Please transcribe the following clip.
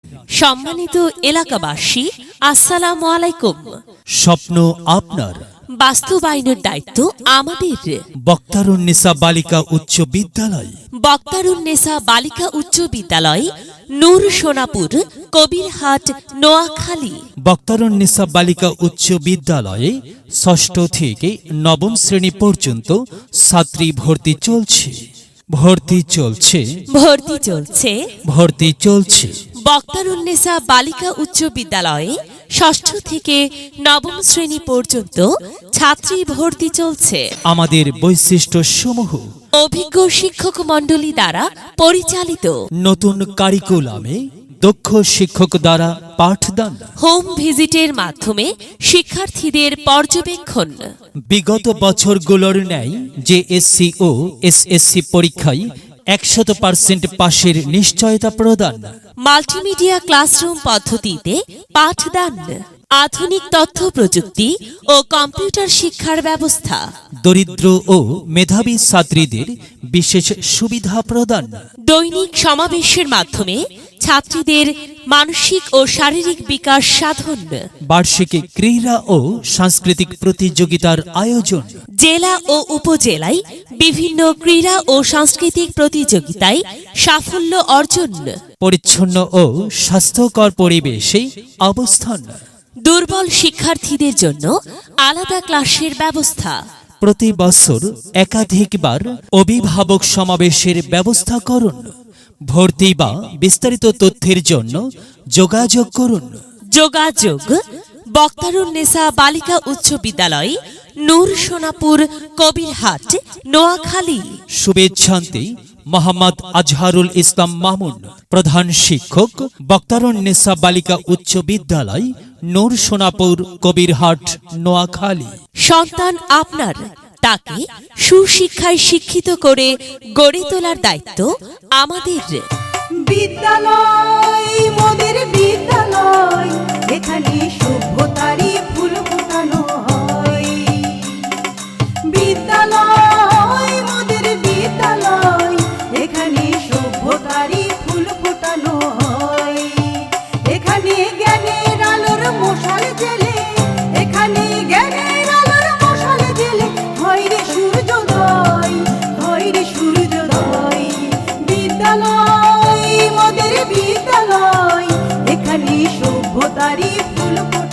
সম্মানিত এলাকাবাসী, আসসালামু আলাইকুম। স্বপ্ন আপনার, বাস্তবায়নের দায়িত্ব আমাদের। বক্তারুন্নেসা বালিকা উচ্চ বিদ্যালয়, বক্তারুন্নেসা বালিকা উচ্চ বিদ্যালয়, নূর সোনাপুর, কবিরহাট, নোয়াখালী। বক্তারুন্নেসা বালিকা উচ্চ বিদ্যালয়ে ষষ্ঠ থেকে নবম শ্রেণী পর্যন্ত ছাত্রী ভর্তি চলছে। বক্তারুন্নেসা বালিকা উচ্চ বিদ্যালয়ে ষষ্ঠ থেকে নবম শ্রেণী পর্যন্ত ছাত্রী ভর্তি চলছে। আমাদের বৈশিষ্ট্য সমূহ: অভিজ্ঞ শিক্ষক মণ্ডলী দ্বারা পরিচালিত, নতুন কারিকুলামে দক্ষ শিক্ষক দ্বারা পাঠদান, হোম ভিজিটের মাধ্যমে শিক্ষার্থীদের পর্যবেক্ষণ, বিগত বছরগুলোর ন্যায় জেএসসি ও এসএসসি পরীক্ষায় 100% পাশের নিশ্চয়তা প্রদান, মাল্টিমিডিয়া ক্লাসরুম পদ্ধতিতে পাঠদান, আধুনিক তথ্য প্রযুক্তি ও কম্পিউটার শিক্ষার ব্যবস্থা, দরিদ্র ও মেধাবী ছাত্রীদের বিশেষ সুবিধা প্রদান, দৈনিক সমাবেশের মাধ্যমে ছাত্রীদের মানসিক ও শারীরিক বিকাশ সাধন, বার্ষিক ক্রীড়া ও সাংস্কৃতিক প্রতিযোগিতার আয়োজন, জেলা ও উপজেলায় বিভিন্ন ক্রীড়া ও সাংস্কৃতিক প্রতিযোগিতায় সাফল্য অর্জন, পরিচ্ছন্ন ও স্বাস্থ্যকর পরিবেশে অবস্থান, দুর্বল শিক্ষার্থীদের জন্য আলাদা ক্লাসের ব্যবস্থা, প্রতি বছর একাধিকবার অভিভাবক সমাবেশের ব্যবস্থা করুন। ভর্তি বা বিস্তারিত তথ্যের জন্য যোগাযোগ করুন। যোগাযোগ: বক্তারুন্নেসা বালিকা উচ্চ বিদ্যালয়, নূর সোনাপুর, কবিরহাট, নোয়াখালী। শুভেচ্ছান্তে মোহাম্মদ আজহারুল ইসলাম মামুন, প্রধান শিক্ষক, বক্তারুন্নেসা বালিকা উচ্চ বিদ্যালয়, নূর সোনাপুর, কবিরহাট, নোয়াখালী। সন্তান আপনার, তাকে সুশিক্ষায় শিক্ষিত করে গড়ে তোলার দায়িত্ব আমাদের। বিদ্যালয় মোদের বিদ্যালয়, এখানে সভ্যতারই ফুল ফোটানো হয়। বিদ্যালয় মোদের বিদ্যালয়, এখানে সভ্যতারই ফুল ফোটানো হয়। এখানে জ্ঞানের আলোর মশাল জেলে, এখানে জ্ঞানের আলোর মশাল জেলে হয় রে সূর্যোদয়, হয় রে সূর্যোদয়। বিদ্যালয় মোদের বিদ্যালয়, এখানে সভ্যতারই ফুল